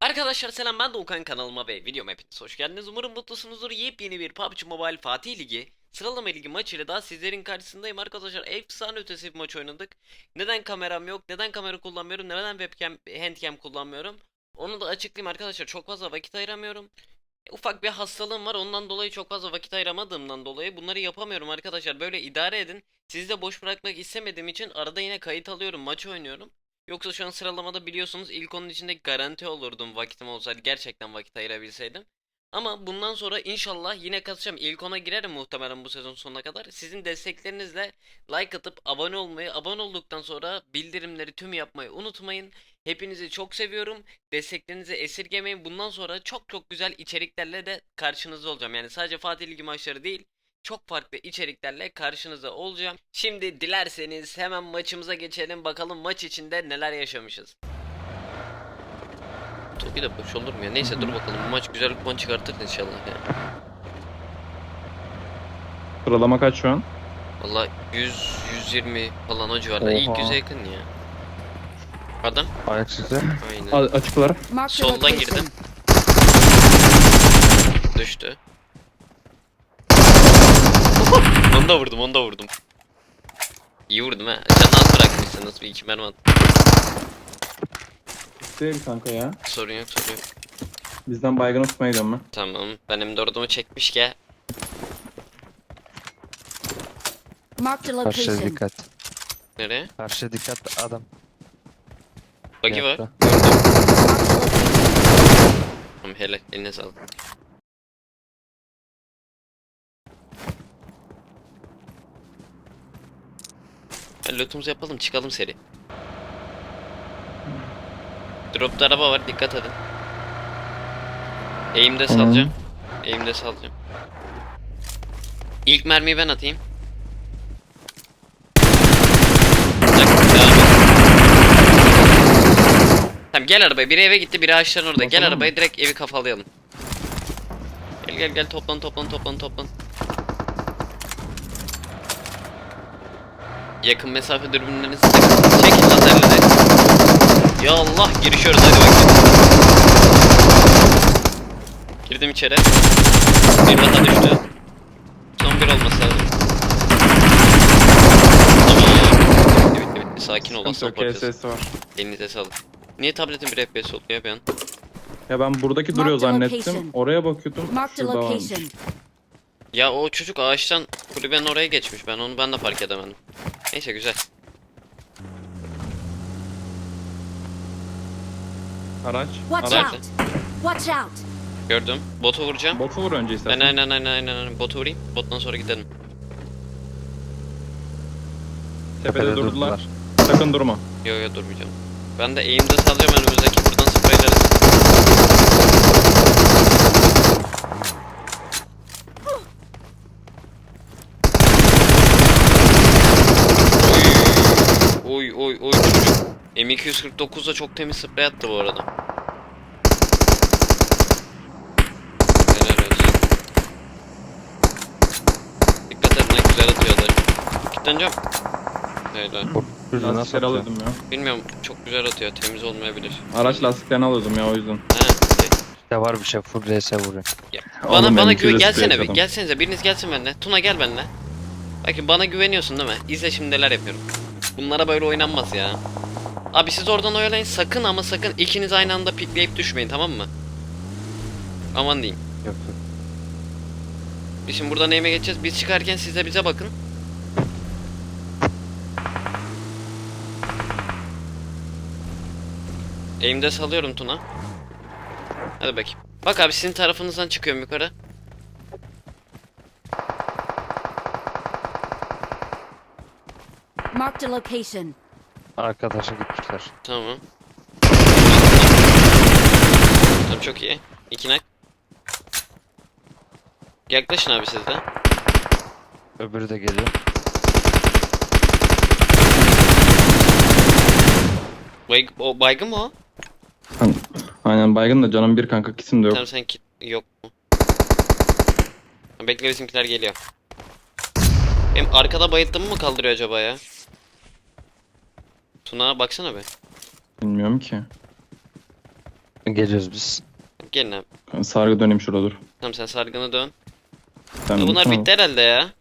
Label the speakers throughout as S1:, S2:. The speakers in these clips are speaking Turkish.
S1: Arkadaşlar selam, ben Doğukan, kanalıma ve videoma hepiniz hoş geldiniz. Umarım mutlusunuzdur. Yepyeni bir PUBG Mobile Fatih Ligi sıralama ligi maçıyla daha sizlerin karşısındayım arkadaşlar. Efsane ötesi bir maç oynadık. Neden kameram yok, neden kamera kullanmıyorum, neden webcam, handcam kullanmıyorum, onu da açıklayayım arkadaşlar. Çok fazla vakit ayıramıyorum. Ufak bir hastalığım var, ondan dolayı çok fazla vakit ayıramadığımdan dolayı bunları yapamıyorum arkadaşlar. Böyle idare edin. Sizi de boş bırakmak istemediğim için arada yine kayıt alıyorum, maç oynuyorum. Yoksa şu an sıralamada biliyorsunuz ilk onun içinde garanti olurdum, vakitim olsaydı, gerçekten vakit ayırabilseydim. Ama bundan sonra inşallah yine katacağım. İlk ona girerim muhtemelen bu sezon sonuna kadar. Sizin desteklerinizle like atıp abone olmayı, abone olduktan sonra bildirimleri tüm yapmayı unutmayın. Hepinizi çok seviyorum. Desteklerinizi esirgemeyin. Bundan sonra çok çok güzel içeriklerle de karşınızda olacağım. Yani sadece Fatih Ligi maçları değil, çok farklı içeriklerle karşınızda olacağım. Şimdi dilerseniz hemen maçımıza geçelim. Bakalım maç içinde neler yaşamışız. Toki de boş olur mu ya? Neyse dur bakalım. Bu maç güzel bir puan çıkartır inşallah ya.
S2: Sıralama kaç şu an?
S1: Valla 100-120 falan o civarda. İlk
S2: Oha.
S1: 100'e yakın ya. Adam.
S3: Ayak size.
S1: Aynen.
S2: Açıklar.
S1: Soldan girdim. Düştü. Onu da vurdum, onu da vurdum. İyi vurdum ha. Canını az bırakmışsınız, bir iki mermi at.
S2: Değil kanka ya.
S1: Sorun yok, sorun yok.
S2: Bizden baygın tutmaya gidiyorum ben.
S1: Tamam, benim de ordumu çekmiş ki.
S4: Marked a
S3: Karşıya
S4: location.
S3: dikkat.
S1: Nereye?
S3: Karşıya dikkat adam.
S1: Buggy var.
S3: Yattı.
S1: Gördüm.
S4: Marked a location.
S1: Tamam, helal, eline sağlık. Lootumuzu yapalım, çıkalım seri. Dropta araba var, dikkat edin. Eğimde salacağım. Eğimde salacağım. İlk mermiyi ben atayım. Bir dakika, devam et. Tamam, gel arabaya. Biri eve gitti, biri ağaçların orada. Gel
S2: Basalım
S1: arabaya,
S2: mı?
S1: direkt evi kafalayalım. Gel toplan. Yakın mesafe dürbünlerinizi takın. Çekin lazerleri. Ya Allah, girişiyoruz, hadi bakayım. Girdim içeri. Bir daha düştü. Son bir olması lazım. Tamam. Bitti. Sakin ol, aslan
S2: Sıkıntı yok,
S1: parçası.
S2: KSS var.
S1: Elinize sağlık. Niye tabletin bir FPS oluyor bir an?
S2: Ya ben buradaki duruyor
S4: Marked
S2: zannettim.
S4: location.
S2: Oraya bakıyordum.
S4: Marked a
S2: Şurada varmış.
S4: location.
S1: Ya o çocuk ağaçtan kulübenin oraya geçmiş. Ben de fark edemedim. Neyse, güzel.
S2: Araç.
S4: Watch
S2: Araç.
S4: out. Watch out.
S1: Gördüm. Botu vuracağım.
S2: Botu vur önce istersen.
S1: Aynen. Botu vurayım. Bottan sonra gidelim.
S2: Tepede durdular. Sakın durma.
S1: Yo durmayacağım. Ben de eğimde salacağım, önümüzdeki buradan spreyleriz. Oy çocuk. M249'da çok temiz sprey attı bu arada. Helal olsun. Dikkat et, ne güzel atıyorlar. Kilitleneceğim. Helal.
S2: Lastikleri alıyordum ya.
S1: Bilmiyorum, çok güzel atıyor, temiz olmayabilir.
S2: Araç lastiklerini alıyordum ya o yüzden.
S1: He, okey.
S3: Ya var bir şey full RS vuruyor.
S1: Ya,
S2: Oğlum,
S1: bana
S2: M200
S1: güven, gelsene
S2: sprey
S1: bir,
S2: adam.
S1: gelsenize, biriniz gelsin benimle. Tuna gel benimle. Bakın, bana güveniyorsun değil mi? İzle şimdi neler yapıyorum. Bunlara böyle oynanmaz ya. Abi siz oradan oyalayın, sakın ama sakın ikiniz aynı anda pikleyip düşmeyin, tamam mı? Aman diyeyim.
S3: Yok.
S1: Biz şimdi buradan neyime geçeceğiz? Biz çıkarken siz de bize bakın. Eğimde salıyorum Tuna. Hadi bakayım. Bak abi, sizin tarafınızdan çıkıyorum yukarı.
S4: Marked a location.
S3: Arkadaşa gitmişler.
S1: Tamam. Tamam, çok iyi. İki nak. Yaklaşın abi siz de.
S3: Öbürü de geliyor.
S1: O baygın mı o?
S2: Aynen baygın da canım bir kanka, kisim de yok.
S1: Tamam, sen yok mu? Bekle, bizimkiler geliyor. Benim arkada bayılttığımı mı kaldırıyor acaba ya? Tuna baksana be.
S2: Bilmiyorum ki.
S3: Geliyoruz biz.
S1: Gelin abi.
S2: Sargı döneyim şurada dur.
S1: Tamam sen sargını dön.
S2: Sen
S1: Bunlar
S2: tamam.
S1: bitti herhalde ya.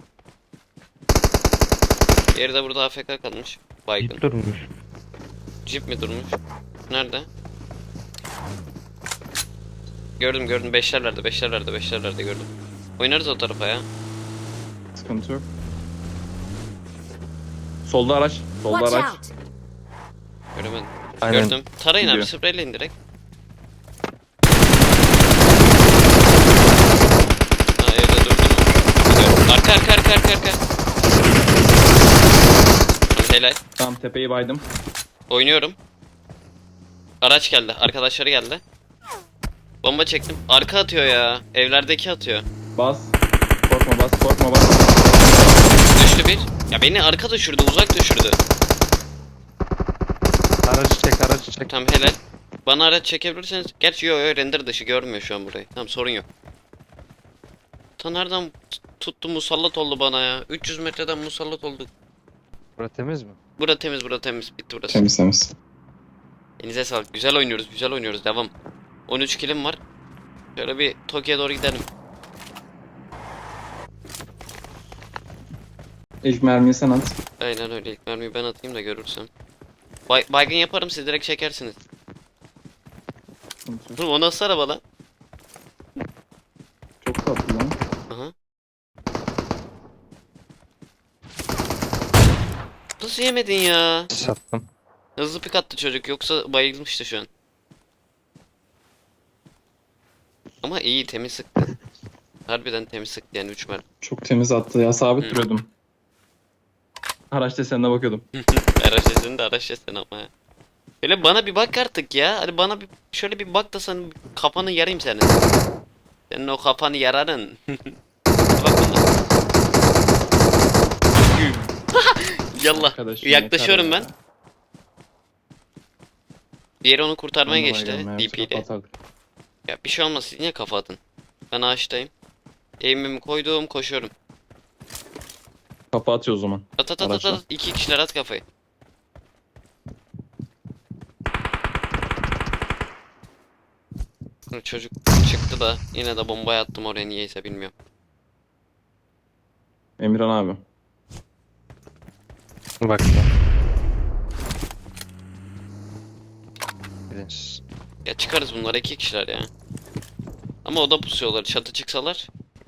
S1: Diğeri de burada AFK kalmış. Baygın.
S3: Git durmuş.
S1: Jeep mi durmuş? Nerede? Gördüm beşlerlerde gördüm. Oynarız o tarafa ya.
S2: Sıkıntı yok. Solda araç. Solda
S4: Watch
S2: araç.
S4: out!
S1: Göremedim.
S3: Aynen.
S1: Gördüm. Tarayın abi
S2: Gidiyor.
S1: spreyleyin direkt. Ha evde durdum. Gidiyorum. Arka. Tamam, helal.
S2: Tamam tepeyi baydım.
S1: Oynuyorum. Araç geldi. Arkadaşları geldi. Bomba çektim. Arka atıyor ya. Evlerdeki atıyor.
S2: Bas. Korkma bas.
S1: Düştü bir. Ya beni arka düşürdü. Uzak düşürdü.
S3: Aracı çek.
S1: Tamam helal. Bana araç çekebilirseniz. Gerçi yo render dışı görmüyor şu an burayı. Tamam sorun yok. Ta nereden tuttu musallat oldu bana ya. 300 metreden musallat oldu.
S3: Burası temiz mi?
S1: Bura temiz. Bitti burası.
S2: Temiz.
S1: Elinize sağlık. Güzel oynuyoruz. Devam. 13 kilim var. Şöyle bir Tokyo'ya doğru gidelim.
S2: İlk mermiyi sen at.
S1: Aynen öyle. İlk mermiyi ben atayım da görürsem. Baygın yaparım siz direkt çekersiniz.
S2: Sıkıntı yok.
S1: Oğlum o nasıl araba lan?
S2: Çok tatlı lan.
S1: Aha. Nasıl yemedin ya?
S3: Sattım.
S1: Hızlı pik attı çocuk yoksa bayılmıştı şu an. Ama iyi temiz sıktı. Harbiden temiz sıktı yani 3 mermi.
S2: Çok temiz attı ya. Sabit
S1: Hı.
S2: duruyordum. Araç desenine bakıyordum.
S1: Araç sesini de araç sesini ama ya. Böyle bana bir bak artık ya. Hadi bana bir şöyle bir bak da sen kafanı yarayım senin. Senin o kafanı yararın. Bak bana. Yallah.
S2: Arkadaşım
S1: Yaklaşıyorum
S2: yeter
S1: ben.
S2: ya.
S1: Diğeri onu kurtarmaya
S2: Anlamaya
S1: geçti.
S2: gelme ya, yoksa
S1: DP ile.
S2: kapatardık.
S1: Ya bir şey olmaz siz niye kafa atın? Ben ağaçtayım. Eğimimi koydum koşuyorum.
S2: Kapı atıyor o zaman.
S1: At.
S2: Araçla.
S1: 2 kişiler at kafayı. Çocuk çıktı da yine de bombayı attım oraya niyeyse bilmiyorum.
S2: Emirhan abi.
S3: Bak. Bilinçsiz.
S1: Ya çıkarız bunlar 2 kişiler ya. Ama oda pusuyorlar çatı çıksalar.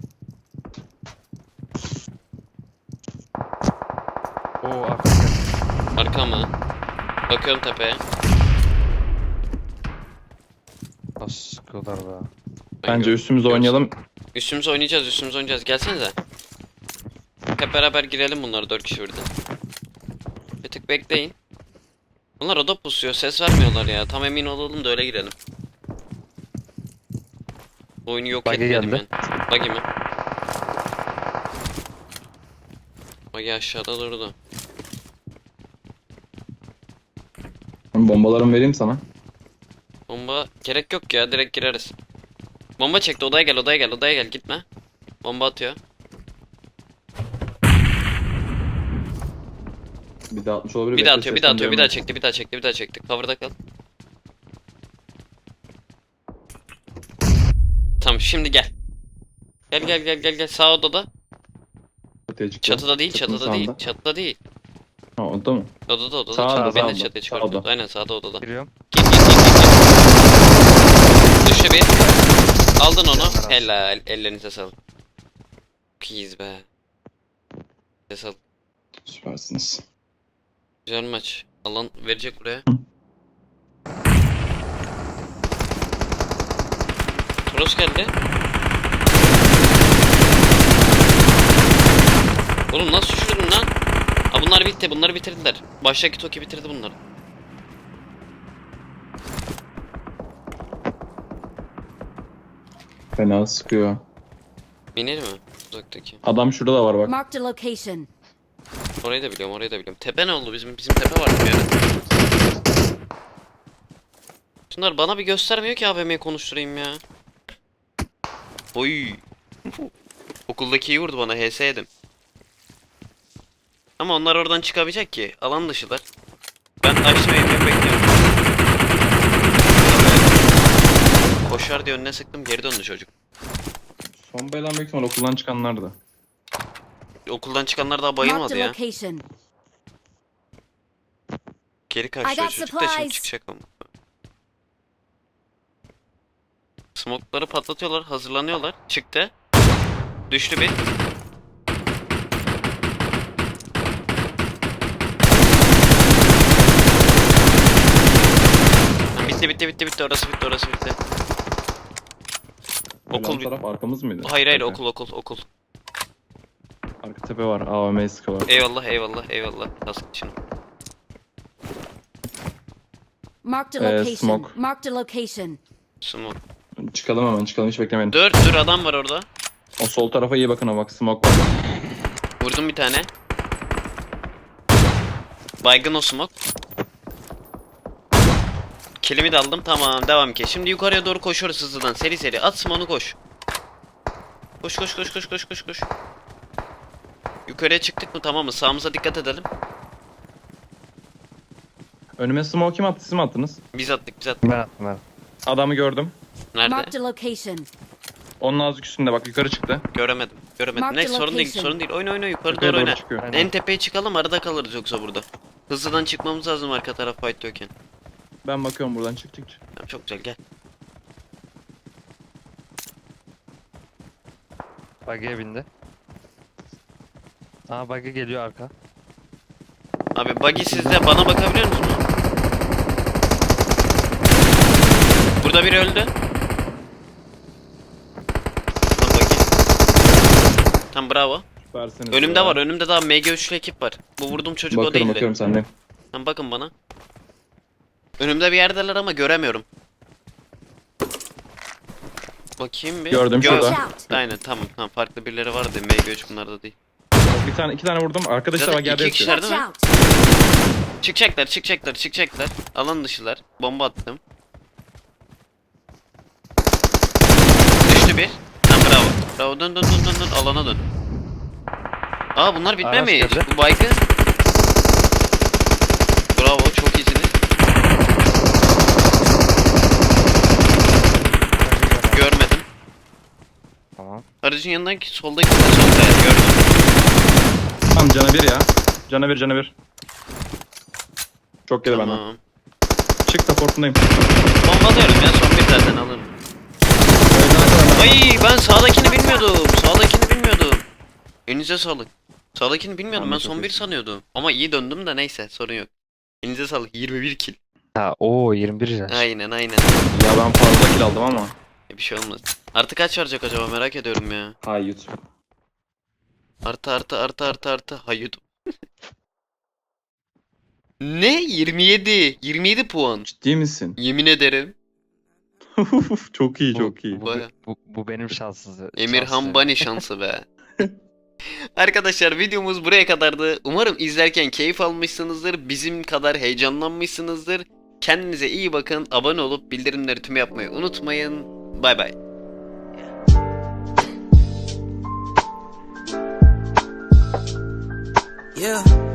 S3: Oo arkadaşlar.
S1: Arka mı? Bakıyorum tepeye.
S3: Nasıl sıkıyorlar be.
S1: Ben
S2: Bence
S1: gör-
S2: üstümüze
S1: görsün.
S2: oynayalım.
S1: Üstümüze oynayacağız. Gelsenize. Hep beraber girelim bunları 4 kişi birden. Bir tık bekleyin. Bunlar oda pusuyor. Ses vermiyorlar ya. Tam emin olalım da öyle girelim. Oyunu yok
S3: Buggy
S1: etmedim
S3: geldi.
S1: ben. Buggy mi? Buggy aşağıda durdu.
S2: Bombalarımı vereyim sana.
S1: Bomba gerek yok ya. Direkt gireriz. Bomba çekti. Odaya gel. Gitme. Bomba atıyor.
S2: Bir daha atmış olabilir.
S1: Bir daha
S2: bekle,
S1: atıyor.
S2: sesten
S1: Bir daha
S2: duyamıyorum.
S1: çekti. Cover'da kal. Tamam şimdi gel. Gel. Sağ odada.
S2: Çatıya çıktı.
S1: Çatıda değil.
S2: Çatının sağında.
S1: Çatıda değil.
S2: Ha orada mı?
S1: Odada.
S2: Sağda,
S1: Çatıda. Beni de
S2: sağda.
S1: çatıya çıkarttı.
S2: Sağda.
S1: Aynen sağda odada.
S3: Giriyorum.
S1: Git. Düştü bir. Aldın onu. Helal. Ellerinize sağlık. Çok iyiyiz be. Ellerinize sağlık.
S2: Süpersiniz.
S1: Güzel maç. Alan verecek buraya. Toros geldi. Oğlum nasıl düşürdün lan? Ha bunlar bitti. Bunları bitirdiler. Baştaki Toki bitirdi bunları.
S2: Fena sıkıyor.
S1: Bineli mi? Uzaktaki.
S2: Adam şurada da var bak.
S4: Marked a location.
S1: Orayı da biliyorum. Tepe ne oldu? Bizim tepe vardı bir ara. Şunlar bana bir göstermiyor ki AVM'yi konuşturayım ya. Oy. Okuldaki iyi vurdu bana. HS yedim. Ama onlar oradan çıkabilecek ki. Alan dışılar. Ben açtım evimi bekliyorum. koşar diye önüne sıktım, geri döndü çocuk.
S2: Son bayılan büyük ihtimal okuldan çıkanlardı.
S1: Okuldan çıkanlar daha
S4: Marked
S1: bayılmadı
S4: a
S1: ya.
S4: location.
S1: Geri
S4: I
S1: kaçıyor
S4: got
S1: çocuk da şimdi
S4: supplies.
S1: çıkacak ama. Smoke'ları patlatıyorlar, hazırlanıyorlar. Çıktı. Düştü bir. Ha, bitti orası bitti. Okul
S2: Okul taraf arkamız mıydı?
S1: Hayır
S2: Arka.
S1: okul.
S2: Arka tepe var. AVM sıkı var.
S1: Eyvallah. Kask için.
S4: Marked a location.
S2: smoke.
S4: Marked a location.
S1: Smoke.
S2: Çıkalım hemen çıkalım hiç beklemeyin.
S1: Dur adam var orada.
S2: O sol tarafa iyi bakın, o bak smoke var.
S1: Vurdum bir tane. Baygın o smoke. Kilimi de aldım. Tamam devam ki. Şimdi yukarıya doğru koşuyoruz hızlıdan. Seri. At smoke'unu koş. Koş. Yukarıya çıktık mı tamam mı? Sağımıza dikkat edelim.
S2: Önüme smoke kim attı, siz mi attınız?
S1: Biz attık.
S3: Ben attım.
S2: Adamı gördüm.
S1: Nerede?
S4: Marked a location.
S2: Onun azıcık üstünde bak, yukarı çıktı.
S1: Göremedim.
S4: Mark
S1: Neyse
S4: the
S1: sorun
S4: location.
S1: değil. Oyna yukarı
S2: Yukarı
S1: doğru
S2: doğru
S1: oyna.
S2: çıkıyor.
S3: Aynen.
S1: En tepeye çıkalım, arada kalırız yoksa burada. Hızlıdan çıkmamız lazım arka taraf fight yokken.
S2: Ben bakıyorum buradan, çık.
S1: Tamam, çok güzel gel.
S3: Buggy'e bindi. Aa buggy geliyor arka.
S1: Abi buggy sizde, bana bakabiliyor musunuz? Burada biri öldü. Tam buggy. Tam bravo.
S2: Süpersiniz
S1: Önümde
S2: ya.
S1: var, önümde daha MG3'lü ekip var. Bu vurduğum çocuk o değildi.
S2: Bakıyorum senden.
S1: Tamam bakın bana. Önümde bir yerdeler ama göremiyorum. Bakayım bir.
S2: Gördüm
S1: Gör-
S2: şurada.
S4: Watch out.
S1: Aynen tamam farklı birileri vardı. MG3 bunlarda değil.
S2: İki tane vurdum. Arkadaşlar
S1: Zaten
S2: bak yerde
S1: iki
S2: yatıyor.
S1: kişiler-
S4: Watch
S1: Değil mi?
S4: out.
S1: Çıkacaklar. Alan dışılar. Bomba attım. Düştü bir. Tamam bravo. Dön. Alana dön. Aa bunlar bitmemiş.
S3: geldi.
S1: Bu baygın. Bravo çok iyisiniz. Görmedim.
S3: Tamam.
S1: Aracın yanındaki soldaki sol kaya gördüm.
S2: Tamam cana bir ya. Cana bir. Çok geri benden.
S1: Tamam.
S2: Çık, supportundayım.
S1: Bombalıyorum ya, son bir zaten alırım. Ay ben sağdakini bilmiyordum. Elinize sağlık. Sağdakini bilmiyordum,
S2: Tamam,
S1: ben
S2: çok
S1: son bir
S2: iyisin.
S1: sanıyordum. Ama iyi döndüm de neyse sorun yok. Elinize sağlık, 21 kill.
S3: Ha o 21 yaş.
S1: Aynen.
S2: Ya ben fazla kill aldım ama.
S1: Bir şey olmaz. Artı kaç verecek acaba, merak ediyorum ya.
S2: Hay YouTube.
S1: Artı. Hayır. Ne? 27 puan.
S2: Ciddi misin?
S1: Yemin ederim.
S2: Çok iyi.
S1: Baya.
S3: Bu benim şanssız.
S1: Emirhan Bani şansı be. Arkadaşlar videomuz buraya kadardı. Umarım izlerken keyif almışsınızdır. Bizim kadar heyecanlanmışsınızdır. Kendinize iyi bakın. Abone olup bildirimleri tüm yapmayı unutmayın. Bay bay.
S5: Yeah.